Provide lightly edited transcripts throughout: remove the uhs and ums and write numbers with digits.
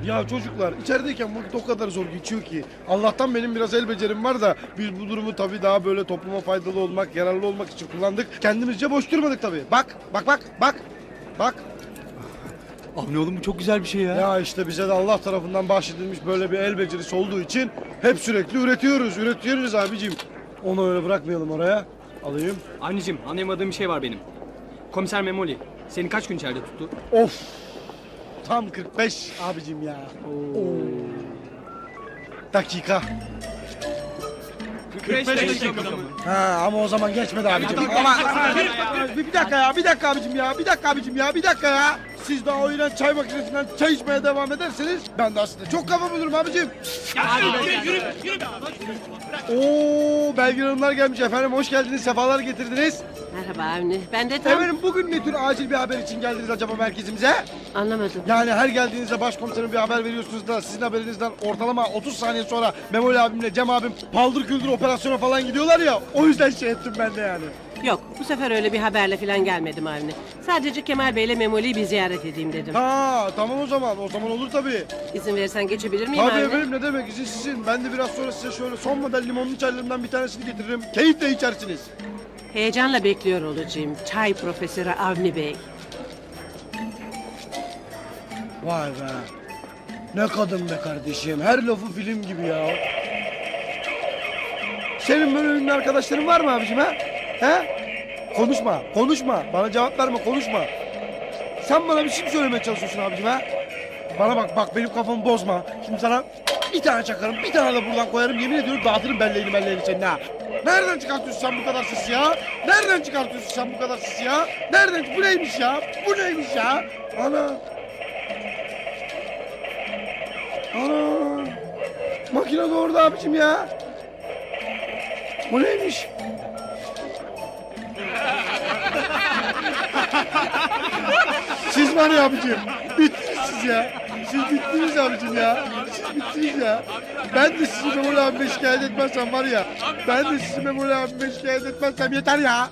Ya çocuklar içerideyken vakit o kadar zor geçiyor ki. Allah'tan benim biraz el becerim var da biz bu durumu tabii daha böyle topluma faydalı olmak, yararlı olmak için kullandık. Kendimizce boş durmadık tabii. Bak. Avni oğlum bu çok güzel bir şey ya. Ya işte bize de Allah tarafından bahşedilmiş böyle bir el becerisi olduğu için hep sürekli üretiyoruz abicim. Onu öyle bırakmayalım oraya. Alayım. Anneciğim, anlayamadığım bir şey var benim. Komiser Memoli seni kaç gün içeride tuttu? Of. Tam 45 abicim ya. Oo. Dakika. 45 dakika mı? Ha ama o zaman geçmedi abicim. Bir dakika abicim ya. Siz daha o iğrenç çay makinesinden çay içmeye devam ederseniz ben de aslında çok kafa bulurum abicim. Yürü. Oo Belgin Hanımlar gelmiş efendim, hoş geldiniz, sefalar getirdiniz. Merhaba Avni. Ben de tam Efendim bugün ne tür acil bir haber için geldiniz acaba merkezimize? anlamadım. Yani her geldiğinizde başkomiserim bir haber veriyorsunuz da sizin haberinizden ortalama 30 saniye sonra Memoli abimle Cem abim paldır küldür operasyona falan gidiyorlar ya, o yüzden şey ettim ben de yani. Yok, bu sefer öyle bir haberle falan gelmedim Avni. Sadece Kemal Bey'le Memoli'yi bir ziyaret edeyim dedim. Ha tamam o zaman olur tabii. İzin verirsen geçebilir miyim Tabii Avni? efendim, ne demek, izin sizin. Ben de biraz sonra size şöyle son model limonlu çaylarımdan bir tanesini getiririm. Keyifle içersiniz. Heyecanla bekliyor olacağım. Çay Profesörü Avni Bey. Vay be. Ne kadın be kardeşim. Her lafı film gibi ya. Senin böyle ünlü arkadaşların var mı abicim ha? He? Konuşma. Bana cevap verme, konuşma. Sen bana bir şey mi söylemeye çalışıyorsun abicim ha? Bana bak benim kafamı bozma. Şimdi sana bir tane çakarım, bir tane de buradan koyarım. Yemin ediyorum dağıtırım belleğini senin ha. Nereden çıkartıyorsun sen bu kadar sesi ya? Bu neymiş ya? Ana. Makine de orada abicim ya. Bu neymiş? Siz var ya abicim, bittiniz siz ya. Siz bittiniz abicim ya. Ben de sizi Memoli abime şikayet etmezsem var ya. Yeter ya.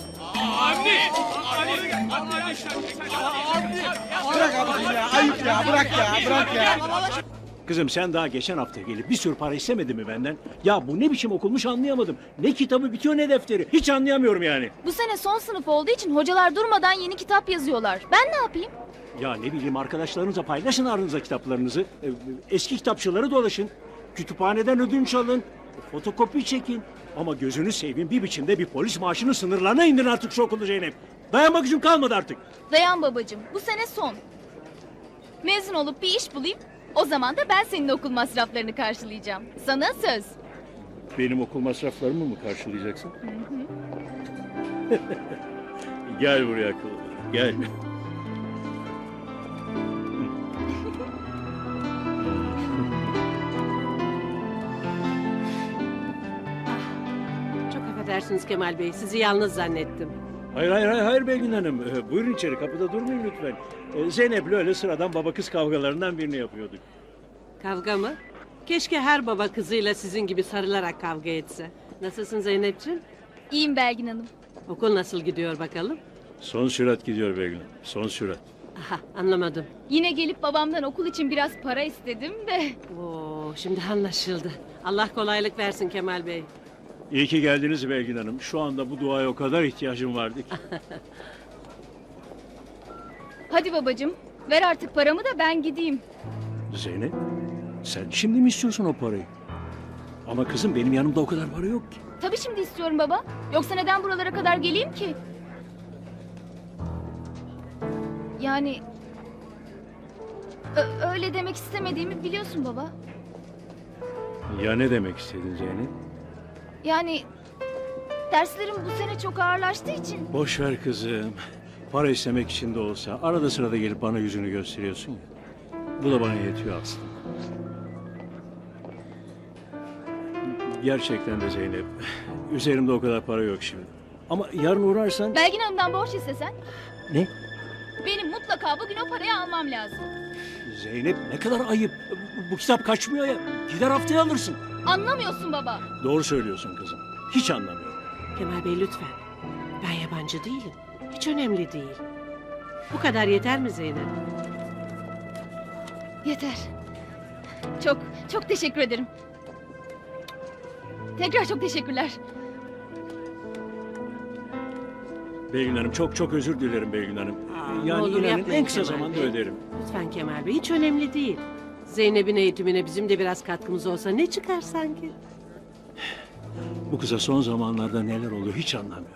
Bırak abicim ya, ayıp ya, bırak ya. Kızım sen daha geçen hafta gelip bir sürü para istemedin mi benden? Ya bu ne biçim okulmuş anlayamadım. Ne kitabı bitiyor ne defteri. Hiç anlayamıyorum yani. Bu sene son sınıf olduğu için hocalar durmadan yeni kitap yazıyorlar. Ben ne yapayım? Ya ne bileyim, arkadaşlarınızla paylaşın aranızda kitaplarınızı. Eski kitapçıları dolaşın. Kütüphaneden ödünç alın. Fotokopi çekin. Ama gözünü seveyim, bir biçimde bir polis maaşının sınırlarına indirin artık şu okulu Zeynep. Dayanmak gücüm kalmadı artık. Dayan babacığım, bu sene son. Mezun olup bir iş bulayım. O zaman da ben senin okul masraflarını karşılayacağım. Sana söz. Benim okul masraflarımı mı karşılayacaksın? Gel buraya akıllı. Gel. Çok affedersiniz Kemal Bey. Sizi yalnız zannettim. Hayır Belgin Hanım. Buyurun içeri, kapıda durmayın lütfen. Zeynep'le öyle sıradan baba kız kavgalarından birini yapıyorduk. Kavga mı? Keşke her baba kızıyla sizin gibi sarılarak kavga etse. Nasılsın Zeynep'ciğim? İyiyim Belgin Hanım. Okul nasıl gidiyor bakalım? Son sürat gidiyor Belgin Hanım. Son sürat. Aha, anlamadım. Yine gelip babamdan okul için biraz para istedim de. Oo, şimdi anlaşıldı. Allah kolaylık versin Kemal Bey. İyi ki geldiniz Belgin Hanım. Şu anda bu duaya o kadar ihtiyacım vardı ki. Hadi babacığım, ver artık paramı da ben gideyim. Zeynep, sen şimdi mi istiyorsun o parayı? Ama kızım benim yanımda o kadar para yok ki. Tabii şimdi istiyorum baba. Yoksa neden buralara kadar geleyim ki? Yani... öyle demek istemediğimi biliyorsun baba. Ya ne demek istedin Zeynep? Yani... derslerim bu sene çok ağırlaştığı için... Boş ver kızım. Para istemek için de olsa arada sırada gelip bana yüzünü gösteriyorsun ya. Bu da bana yetiyor aslında. Gerçekten de Zeynep. Üzerimde o kadar para yok şimdi. Ama yarın uğrarsan... Belgin Hanım'dan borç istesen... Ne? Benim mutlaka bugün o parayı almam lazım. Zeynep ne kadar ayıp. Bu kitap kaçmıyor ya. Gider haftaya alırsın. Anlamıyorsun baba. Doğru söylüyorsun kızım. Hiç anlamıyorum. Kemal Bey lütfen. Ben yabancı değilim. Hiç önemli değil. Bu kadar yeter mi Zeynep? Yeter. Çok, çok teşekkür ederim. Tekrar çok teşekkürler. Belgin Hanım çok çok özür dilerim Belgin Hanım. ne Yani olur inanın yapmayın en kısa Kemal zamanda Bey. öderim. Lütfen Kemal Bey, hiç önemli değil. Zeynep'in eğitimine bizim de biraz katkımız olsa ne çıkar sanki? Bu kıza son zamanlarda neler oluyor hiç anlamıyorum.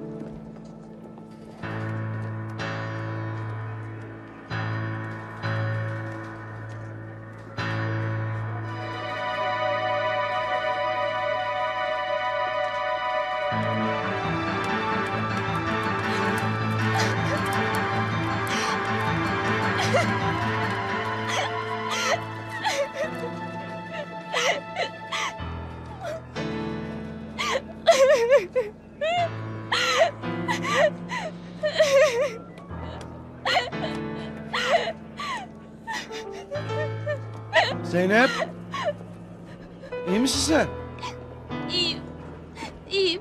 Zeynep. İyi misin sen? İyiyim. İyiyim.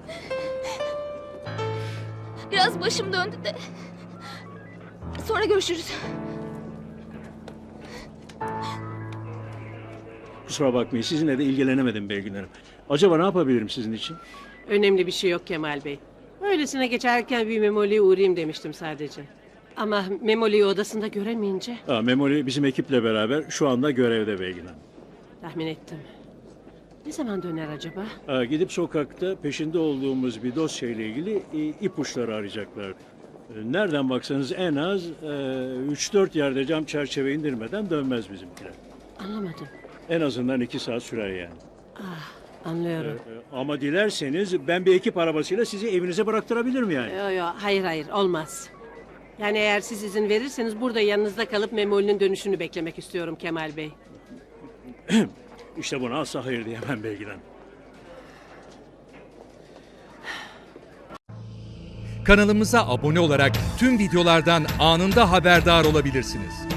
Biraz başım döndü de. Sonra görüşürüz. Kusura bakmayın sizinle de ilgilenemedim Belgin Hanım. Acaba ne yapabilirim sizin için? Önemli bir şey yok Kemal Bey. Öylesine geçerken bir Memoli'ye uğrayayım demiştim sadece. Ama Memoli'yi odasında göremeyince Memoli bizim ekiple beraber şu anda görevde Belgin Hanım. tahmin ettim. Ne zaman döner acaba? Gidip sokakta peşinde olduğumuz bir dosyayla ilgili ipuçları arayacaklar. Nereden baksanız en az 3-4 yerde cam çerçeve indirmeden dönmez bizimkiler. Anlamadım. En azından 2 saat sürer yani. Anlıyorum. Ama dilerseniz ben bir ekip arabasıyla sizi evinize bıraktırabilirim yani. Yo, hayır olmaz. Yani eğer siz izin verirseniz burada yanınızda kalıp Memoli'nin dönüşünü beklemek istiyorum Kemal Bey. İşte buna asla hayır diyemem Belgin Hanım. Kanalımıza abone olarak tüm videolardan anında haberdar olabilirsiniz.